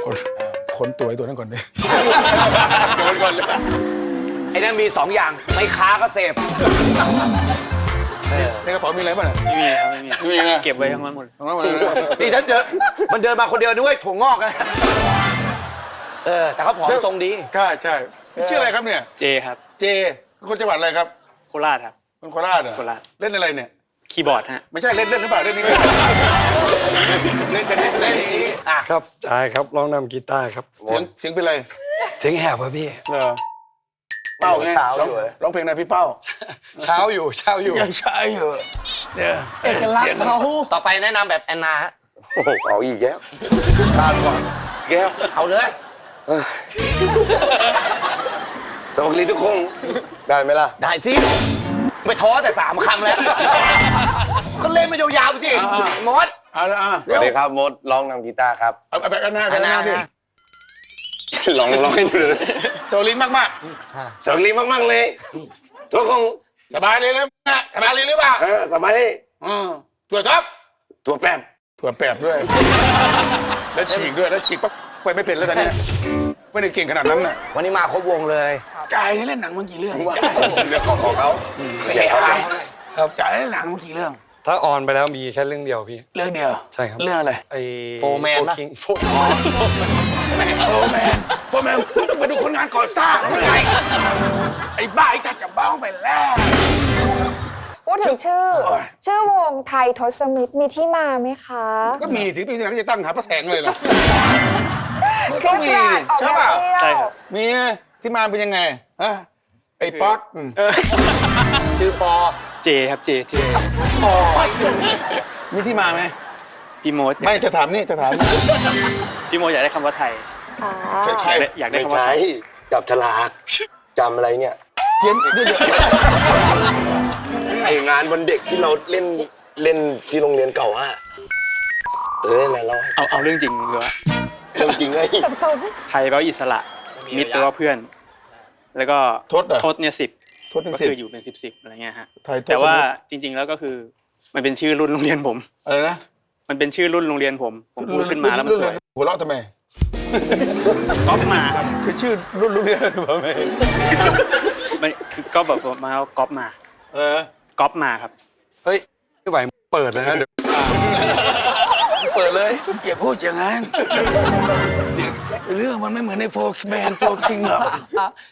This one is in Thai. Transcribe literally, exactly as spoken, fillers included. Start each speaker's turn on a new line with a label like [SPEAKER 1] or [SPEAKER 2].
[SPEAKER 1] คนคนตัวไอ้ตัวนั้นก่อนดิ
[SPEAKER 2] โดนก่อนเลยไอ้นั่นมีสองอย่างไม่ค้าก็เสพ
[SPEAKER 1] ในกระเป๋ามีอะไรบ้าง
[SPEAKER 3] ไม่มีครับไม่มี
[SPEAKER 1] ไม่มีนะ
[SPEAKER 3] เก็บไว้ทั้งนั้นหมด
[SPEAKER 1] ของเราหมดเลย
[SPEAKER 2] นี่ฉันเดินมันเดินมาคนเดียวนึกว่าถั่วงอกนะเออแต่เขาผอมทรงดี
[SPEAKER 1] ใช่ใช่ชื่ออะไรครับเนี่ย
[SPEAKER 3] เจครับ
[SPEAKER 1] เจคนจังหวัดอะไรครับ
[SPEAKER 3] โคราชครับ
[SPEAKER 1] คนโคราชเหรอ
[SPEAKER 3] โคราช
[SPEAKER 1] เล่นอะไรเนี่ย
[SPEAKER 3] คีย์บอร์ดฮะ
[SPEAKER 1] ไม่ใช่เล่นเล่นหรือเปล่าเล่นนี่เล่นเล่นชนิดเล่นนี้อ่ะ
[SPEAKER 4] ครับใช่ครับร้องนำกีตาร์ครับ
[SPEAKER 1] เสียงเสียงเป็นไร
[SPEAKER 4] เสียงแหบครับพี่
[SPEAKER 1] เหรอเป้าไงร้องร้องเพลงอะไรพี่เป้า
[SPEAKER 4] เช้าอยู่เช้าอยู่
[SPEAKER 1] ยังใช่อยู่เนี่ย
[SPEAKER 2] เอกลักษณ์เขาต่อไปแนะนำแบบแอนนาฮะ
[SPEAKER 5] โอ้โหเอาอีกแล้ว
[SPEAKER 1] ตามก่อน
[SPEAKER 5] แก้ว
[SPEAKER 2] เอาเลย
[SPEAKER 5] สวัสดีทุกคนได้ไหมล่ะ
[SPEAKER 2] ได้สิไม่ท้อแต่สามคำแล้ว ก็เล่นมายาวๆไปสิมด
[SPEAKER 1] เอาละอ่ะ
[SPEAKER 5] สวัสดีครับมดร้องนำกีตาร์ครับ
[SPEAKER 1] เอาแบบอันหน้าแบบอันหน้าที่
[SPEAKER 5] ลองร้องให้ดูเลย
[SPEAKER 1] โซลิงมาก
[SPEAKER 5] สวัสดีมากๆเลย ทุกคน
[SPEAKER 1] ๆ สบายเลยนะสบายเลยหรือเปล่า
[SPEAKER 5] เออสบายดี
[SPEAKER 1] อืมถั่วท็อป
[SPEAKER 5] ตัวแป๊บ
[SPEAKER 1] ถั่วแปบด้วย แล้วฉีกด้วยแล้วฉีกปั๊บไปไม่เป็นแล้วตอนนี้ไม่ได้เก่งขนาดนั้นน่ะ
[SPEAKER 2] วันนี้มาครบวงเลย
[SPEAKER 1] จ่ายเล่นหนังมากี่เรื่องจ่าย
[SPEAKER 5] เรื่องของของเขา
[SPEAKER 2] ไม่ใช่อะไร
[SPEAKER 1] ครับจ่ายเล่นหนังมากี่เรื่อง
[SPEAKER 4] ถ้าออนไปแล้วมีแค่เรื่องเดียวพี่
[SPEAKER 1] เรื่องเดียว
[SPEAKER 4] ใช่ครับ
[SPEAKER 1] เรื่องอะไร
[SPEAKER 4] ไอ้
[SPEAKER 2] โฟร์แมนปะ
[SPEAKER 4] คิงโฟ
[SPEAKER 1] โฟร์แมนโฟร์แมนจะมาดูคนงานก่อสร้างเมื่อไหร่ไอ้บ้าไอ้จัดจะบ้าไปแล้ว
[SPEAKER 6] พูดถึงชื่อ
[SPEAKER 1] โอ้ย
[SPEAKER 6] ชื่อวงไทยทศมิตรมีที่มาไหมคะ
[SPEAKER 1] ก็มีถึงปีนี้เขาจะตั้งหาพระแสงเลยเหรอ มัน
[SPEAKER 6] เค
[SPEAKER 1] ก็
[SPEAKER 6] ล็ด
[SPEAKER 1] มี
[SPEAKER 6] ลั
[SPEAKER 1] ดิ
[SPEAKER 6] บออก
[SPEAKER 1] ใช่
[SPEAKER 6] มา
[SPEAKER 1] ป่ะ
[SPEAKER 6] เที่ยว
[SPEAKER 3] ใช่ครับ
[SPEAKER 1] มีที่มาเป็นยังไงฮะไอ้ป๊อตม
[SPEAKER 2] ชื่อปอ
[SPEAKER 3] เจครับเจเจ
[SPEAKER 1] มีที่มาไหม
[SPEAKER 3] พี่โมด
[SPEAKER 1] ไม่จะถามนี่จะถามนี่
[SPEAKER 3] พี่โมดอยากได้คำว่าไทย
[SPEAKER 6] อ่า
[SPEAKER 1] ใคร
[SPEAKER 3] อยากได้
[SPEAKER 5] ไม่
[SPEAKER 3] คำว่า
[SPEAKER 5] ใช่
[SPEAKER 3] ไทย
[SPEAKER 5] จับฉลากจำอะไรเนี่ย
[SPEAKER 1] เขียนเดี๋ยวเดี๋ยว
[SPEAKER 5] ไองานวันเด็กที่เราเล่นเล่นที่โรงเรียนเก่าอะเออน่ะเราให้
[SPEAKER 3] เอาเอาเรื่องจริงเหรอ
[SPEAKER 5] เรื่องจริงไง
[SPEAKER 6] สับสน
[SPEAKER 3] ไทยแปลว่าอิสระ มิตรแปลว่าเพื่อน แล้วก็
[SPEAKER 1] ทศเหรอ
[SPEAKER 3] ทศเนี่ยสิบ
[SPEAKER 1] ทศเป็น
[SPEAKER 3] ก็
[SPEAKER 1] สิบ
[SPEAKER 3] คืออยู่เป็นสิบสิบอะไรเงี้ยฮะ
[SPEAKER 1] ไทยทศ
[SPEAKER 3] แต่ว่าจริง ๆ แล้วก็คือมันเป็นชื่อรุ่นโรงเรียนผม
[SPEAKER 1] อะไรนะ
[SPEAKER 3] มันเป็นชื่อรุ่นโรงเรียนผม ผมพูดขึ้นมาแล้วมันสวย
[SPEAKER 1] หัวเราะทำไม
[SPEAKER 3] ก๊อปมาครับ
[SPEAKER 1] คือชื่อรุ่นรุ่นเรียนหรือเปล่าไม่
[SPEAKER 3] มันคือก็แบบมาเอาก๊อปมา
[SPEAKER 1] เออ
[SPEAKER 3] ก๊อปมาครับ
[SPEAKER 4] เฮ้ยไม่ไหวเปิดเลยนะเดี๋ยว
[SPEAKER 1] เปิดเลยอย่าพูดอย่างนั้นเรื่องมันไม่เหมือนในโฟร์แมนโฟร์คิงหรอก